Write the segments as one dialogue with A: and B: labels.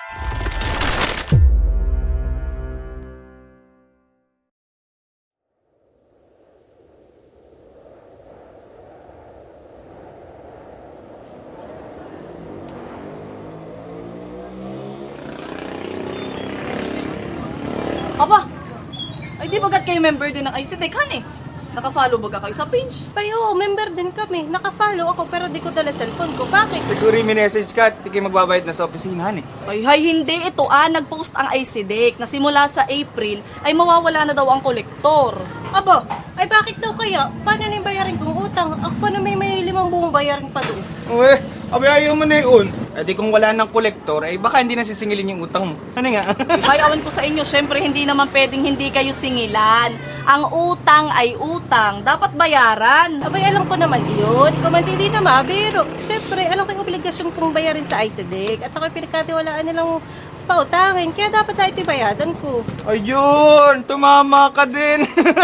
A: Aba, ay di bagat kayo member din ng ICTech, han eh. Naka-follow baga kayo sa page?
B: Ay, oo, member din kami. Naka-follow ako pero di ko dala cellphone ko. Bakit?
C: Siguro yung message ka at di kayo magbabayad na sa opisinahan eh.
A: Ay, hindi. Ito nag-post ang ICDEC na simula sa April ay mawawala na daw ang kolektor.
B: Aba, ay bakit daw kaya? Paano na yung bayarin kong utang? Ako pa na may 5 buong bayarin pa doon.
C: Uwe, ayaw mo na yun. Eh di kung wala ng kolektor, eh baka hindi na sisingilin yung utang mo. Ano nga?
A: Ay, awan ko sa inyo, syempre hindi naman pwedeng hindi kayo singilan. Ang utang ay utang, dapat bayaran.
B: Abay, alam ko naman yun. Kung hindi na mabiro. Siyempre, alam ko yung obligasyon kong bayarin sa ICDEC. At saka yung pinagkatiwalaan nilang pautangin. Kaya dapat na itibayadan ko.
C: Ayun, tumama ka din.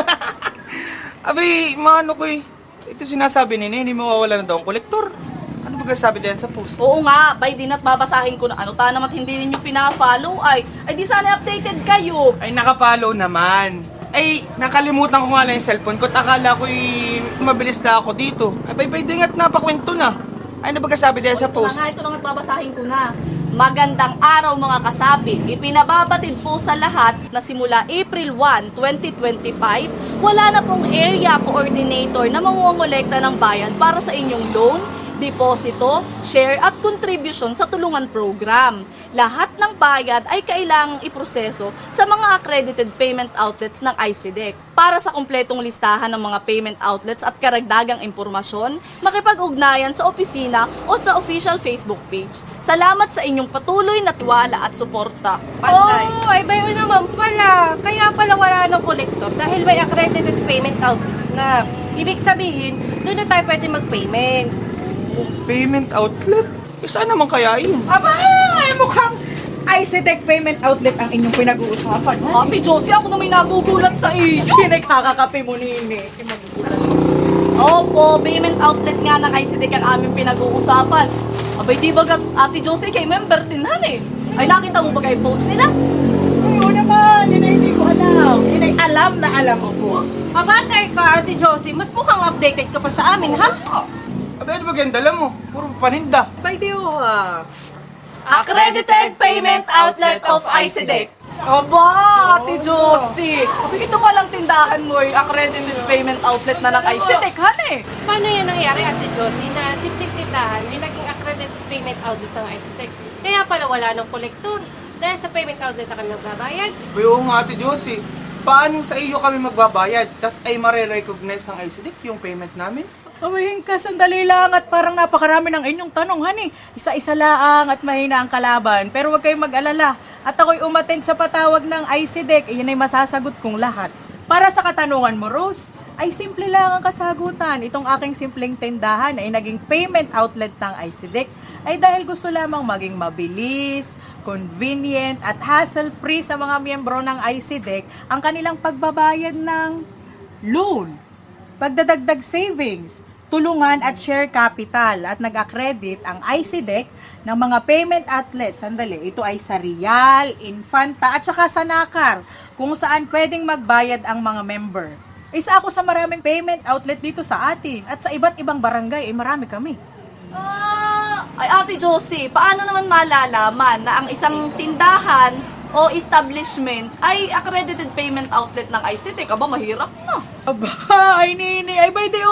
C: Abay, maano ko eh. Ito sinasabi ni hindi mawawala na daw ang kolektor. Ano ba sabi din sa post?
A: Oo nga, by din at babasahin ko na ano, ta naman hindi ninyo pina-follow ay di sana updated kayo.
C: Ay, nakapalo naman. Ay, nakalimutan ko nga lang yung cellphone ko. Akala ko'y mabilis na ako dito. Ay, bay din at napakwento na. Ay, ano ba sabi din sa post?
A: Ito na nga at babasahin ko na. Magandang araw mga kasapi. Ipinababatid po sa lahat na simula April 1, 2025, wala na pong area coordinator na mangongolekta ng bayad para sa inyong loan, deposito, share at contribution sa tulungan program. Lahat ng bayad ay kailangang iproseso sa mga accredited payment outlets ng ICDEC. Para sa kumpletong listahan ng mga payment outlets at karagdagang impormasyon, makipag-ugnayan sa opisina o sa official Facebook page. Salamat sa inyong patuloy na tiwala at suporta.
B: Oh, ay bayo naman pala. Kaya pala wala ng kolektor dahil may accredited payment outlet na. Ibig sabihin, doon na tayo pwede mag-payment.
C: Payment outlet? Eh, saan naman kaya yun?
D: Aba, ay mukhang ICTech Payment Outlet ang inyong pinag-uusapan.
A: Ate Josie, ako na may nagugulat sa iyo.
D: Pinagkakakape mo nini.
A: Opo, payment outlet nga ng ICDEC ang aming pinag-uusapan. Abay, di ba Ate Josie, kay member din han eh. Ay, nakita mo ba kayo post nila?
D: Oo naman, yun ay hindi ko alam. Yun ay alam na alam ako.
B: Mabatay ka, Ate Josie. Mas mukhang updated ka pa sa amin, ha?
C: Abay, ano ba ganda dala mo? Puro paninda.
D: By the ha.
A: Accredited Payment Outlet of ICDEC. Aba, Ate Josie. Ito palang tindahan mo yung accredited payment outlet na ng ICDEC, han eh.
B: Paano yan nangyari, Ate Josie, na simpleng tindahan ay naging accredited payment outlet ng ICTEC? Kaya pala wala ng kolektor. Dahil sa payment outlet na kami nagbabayad.
C: Abay, oo nga ate Josie. Paano sa iyo kami magbabayad? Tas ay mare-recognize ng ICDEC yung payment namin?
D: Kamahin ka, sandali lang at parang napakarami ng inyong tanong, honey. Isa-isa lang at mahina ang kalaban. Pero huwag kayong mag-alala. At ako'y umattend sa patawag ng ICDEC. Iyan ay masasagot kong lahat. Para sa katanungan mo, Rose, ay simple lang ang kasagutan. Itong aking simpleng tindahan ay naging payment outlet ng ICDEC ay dahil gusto lamang maging mabilis, convenient at hassle-free sa mga miyembro ng ICDEC ang kanilang pagbabayad ng loan, pagdadagdag savings, tulungan at share capital at nag-accredit ang ICDEC ng mga payment outlets. Sandali, ito ay sa Rial, Infanta at saka sa Nakar kung saan pwedeng magbayad ang mga member. Isa ako sa maraming payment outlet dito sa atin at sa iba't ibang barangay ay marami kami.
A: Ay Ate Josie, paano naman malalaman na ang isang tindahan o establishment ay accredited payment outlet ng ICTech? Aba, mahirap na.
D: Aba, ay nini, ay by the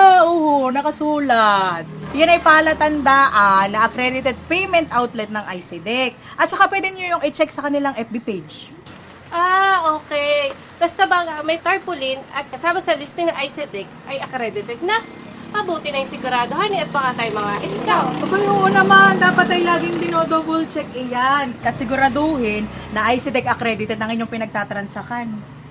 D: nakasulat. Yan ay palatandaan na accredited payment outlet ng ICDEC. At saka pwede nyo yung i-check sa kanilang FB page.
B: Ah, okay. Basta ba may tarpaulin at kasama sa listing ng ICTech ay accredited na. Mabuti na yung siguraduhan at baka tayo mga scout.
D: Okay, oo naman. Dapat ay laging dinodouble check iyan. At siguraduhin na ICDEC accredited ang inyong pinagtatransakan.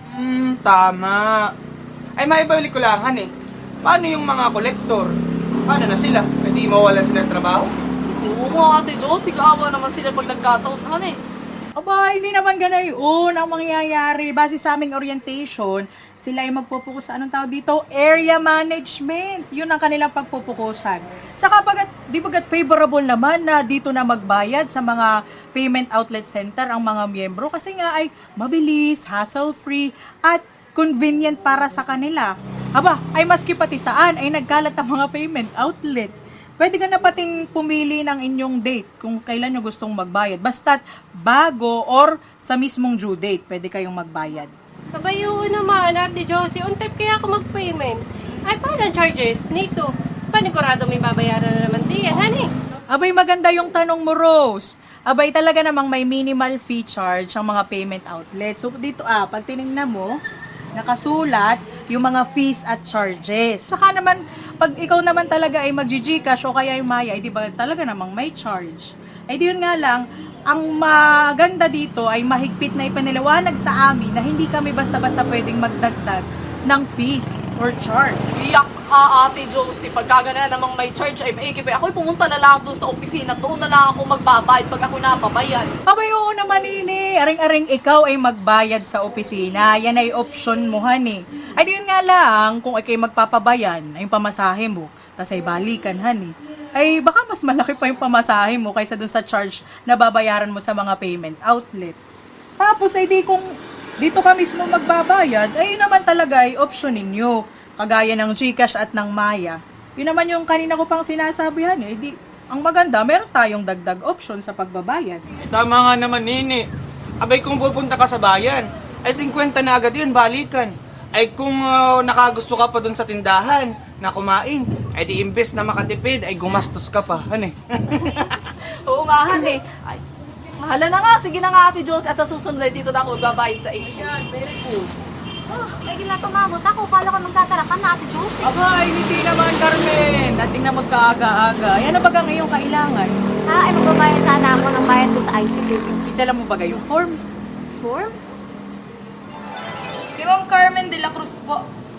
C: Tama. Ay, maibalik ko lang, han eh. Paano yung mga kolektor? Paano na sila? Pwede mawalan sila ng trabaho?
A: Oo nga Ate Josie, kaawa naman sila pag nagkataon han eh.
D: Aba, hindi naman ganayon ang mangyayari. Base sa aming orientation, sila ay magpupukus sa anong tawag dito? Area management. Yun ang kanilang pagpupukusan. Tsaka pag di bagat favorable naman na dito na magbayad sa mga payment outlet center ang mga miyembro kasi nga ay mabilis, hassle-free, at convenient para sa kanila. Aba, ay maski pati saan ay nagkalat ang mga payment outlet. Pwede ka na pating pumili ng inyong date kung kailan nyo gustong magbayad. Basta't bago or sa mismong due date, pwede kayong magbayad.
B: Kabayo naman, Ate Josie, on time kaya ako mag-payment. Ay, paano ang charges nito? Panigurado may babayaran na naman diyan, honey.
D: Abay, maganda yung tanong mo, Rose. Abay, talaga namang may minimal fee charge ang mga payment outlet. So, dito, pag tinignan mo, nakasulat yung mga fees at charges. Saka naman, pag ikaw naman talaga ay mag-Gcash o kaya yung Maya, ay di ba talaga namang may charge? Ay di yun nga lang, ang maganda dito ay mahigpit na ipanilawanag sa amin na hindi kami basta-basta pwedeng magdagdag ng fees or charge.
A: Iyak ka, Ate Josie. Pagka ganun namang may charge ay maikip. Ako'y pumunta na lang doon sa opisina. Doon na lang ako magbabayad pag ako napabayad.
D: Abay, oo naman, ini. Aring-aring ikaw ay magbayad sa opisina. Yan ay option mo, honey. Ay, di yun nga lang, kung ikay magpapabayan, ay yung pamasahe mo, tas ay balikan, honey. Ay, baka mas malaki pa yung pamasahe mo kaysa dun sa charge na babayaran mo sa mga payment outlet. Tapos, ay di kung dito ka mismo magbabayad, ay yun naman talaga ay option ninyo. Kagaya ng Gcash at ng Maya. Yun naman yung kanina ko pang sinasabihan eh. Di, ang maganda, meron tayong dagdag option sa pagbabayad.
C: Tama nga naman, Nini. Abay, kung pupunta ka sa bayan, ay 50 na agad yun, balikan. Ay kung nakagusto ka pa dun sa tindahan na kumain, ay di imbes na makatipid, ay gumastos ka pa. Ano eh?
A: Oo nga, Han eh. Ay, mahala na nga. Sige na nga, Ate Josie. At sa susunod ay dito na ako magbabayad sa inyo.
D: Very good.
E: Oh, may gila tumabot ako. Kala ko magsasarapan na, Ate Josie.
D: Aba, ay hindi naman, Carmen. Dating na magkaaga-aga. Yan na baga ngayong kailangan.
E: Ay magbabayad sana ako ng bayad ko sa ICD.
D: Idala mo ba yung form?
E: Form?
A: Si Ma'am Carmen de la Cruz po.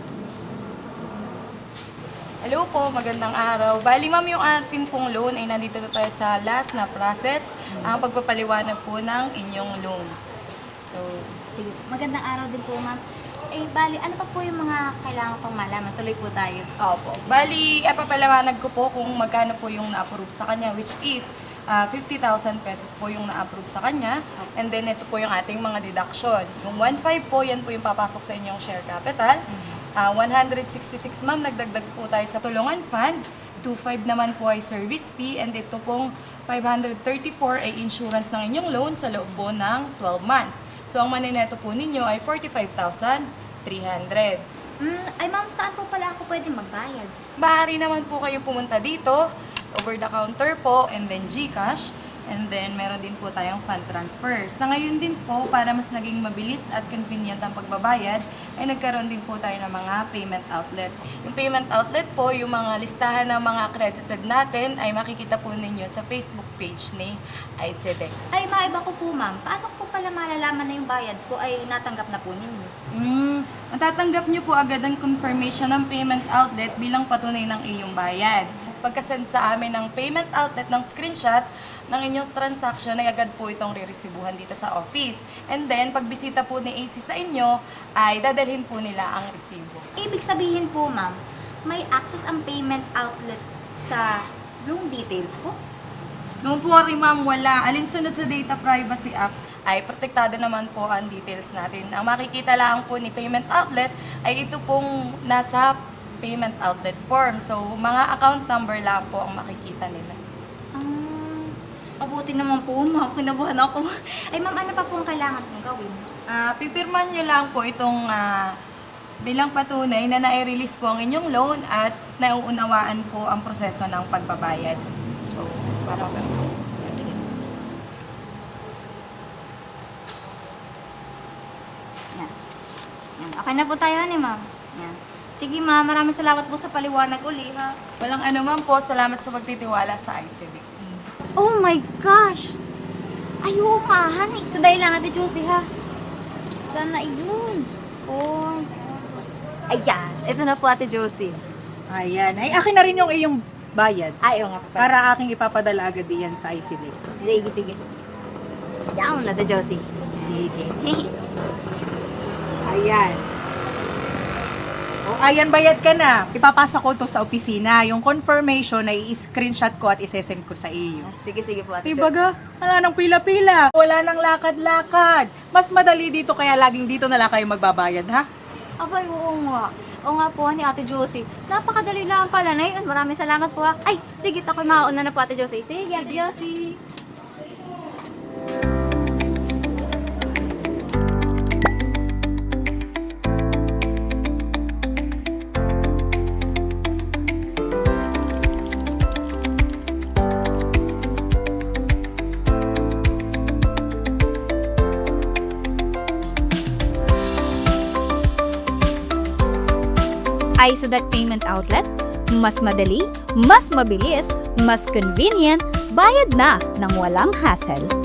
A: Hello po, magandang araw. Bali ma'am, yung ating pong loan ay nandito na tayo sa last na process, ang pagpapaliwanag po ng inyong loan. So,
E: Sige, magandang araw din po, ma'am. Eh, bali, ano pa po yung mga kailangan pang malaman? Tuloy po tayo.
A: opo. Bali, papaliwanag ko po kung magkano po yung na-approve sa kanya, which is 50,000 pesos po yung na-approve sa kanya. And then, ito po yung ating mga deduction. Yung 1.5 po, yan po yung papasok sa inyong share capital. 166 ma'am, nagdagdag po tayo sa tulungan fund. 2.5 naman po ay service fee. And ito pong 534 ay insurance ng inyong loan sa loob po ng 12 months. So, ang manineto po ninyo ay 45,300.
E: Ay, ma'am, saan po pala ako pwede magbayad?
A: Maaari naman po kayo pumunta dito, over the counter po, and then GCash. And then, meron din po tayong fund transfer. Sa ngayon din po, para mas naging mabilis at convenient ang pagbabayad, ay nagkaroon din po tayo ng mga payment outlet. Yung payment outlet po, yung mga listahan ng mga accredited natin, ay makikita po ninyo sa Facebook page ni ICEDEC.
E: Ay, maiba ko po, ma'am. Paano ko pala malalaman na yung bayad ko ay natanggap na po ninyo?
A: Matatanggap nyo po agad ang confirmation ng payment outlet bilang patunay ng iyong bayad. Pagkasend sa amin ng payment outlet ng screenshot ng inyong transaction, ay agad po itong riresibuhan dito sa office. And then, pagbisita po ni AC sa inyo, ay dadalhin po nila ang resibo.
E: Ibig sabihin po, ma'am, may access ang payment outlet sa loan details ko?
A: Don't worry ma'am, wala. Alinsunod sa Data Privacy Act, ay protektado naman po ang details natin. Ang makikita lang po ni payment outlet ay ito pong nasa payment outlet form. So, mga account number lang po ang makikita nila.
E: Mabuti naman po, ma'am. Kinabuhan ako. Ay, ma'am, ano pa pong kailangan kong gawin?
A: Pipirman nyo lang po itong bilang patunay na nai-release po ang inyong loan at nauunawaan po ang proseso ng pagbabayad. So, para po. Sige.
E: Yan. Yan. Okay na po tayo ni ma'am. Yan. Sige, ma'am. Maraming salamat po sa paliwanag uli, ha?
A: Walang anuman po. Salamat sa pagtitiwala sa ICD.
E: Oh my gosh! Ay, oo nga, honey. Sandali lang, Ate Josie, ha? Sana yun. Oh. Ayan. Ito na po, Ate Josie.
D: Ayan. Ay, akin na rin yung iyong bayad.
E: Ay, oo nga po.
D: Para aking ipapadala agad diyan sa ICD.
E: Sige, sige. Down, Ate Josie.
D: Sige. Ayan. O, ayan, bayad ka na. Ipapasa ko to sa opisina. Yung confirmation ay i-screenshot ko at isesend ko sa iyo.
E: Sige po, Ate
D: Diba ga? Wala nang pila-pila. Wala nang lakad-lakad. Mas madali dito kaya laging dito na lang kayo magbabayad, ha?
E: Abay, oo nga. Oo nga po, ni Ate Josie. Napakadali lang pala na yun. Maraming salamat po ha. Ay, sige, ako'y mauna na po, Ate Josie. Sige, Ate Josie.
F: ISADEC Payment Outlet, mas madali, mas mabilis, mas convenient, bayad na ng walang hassle.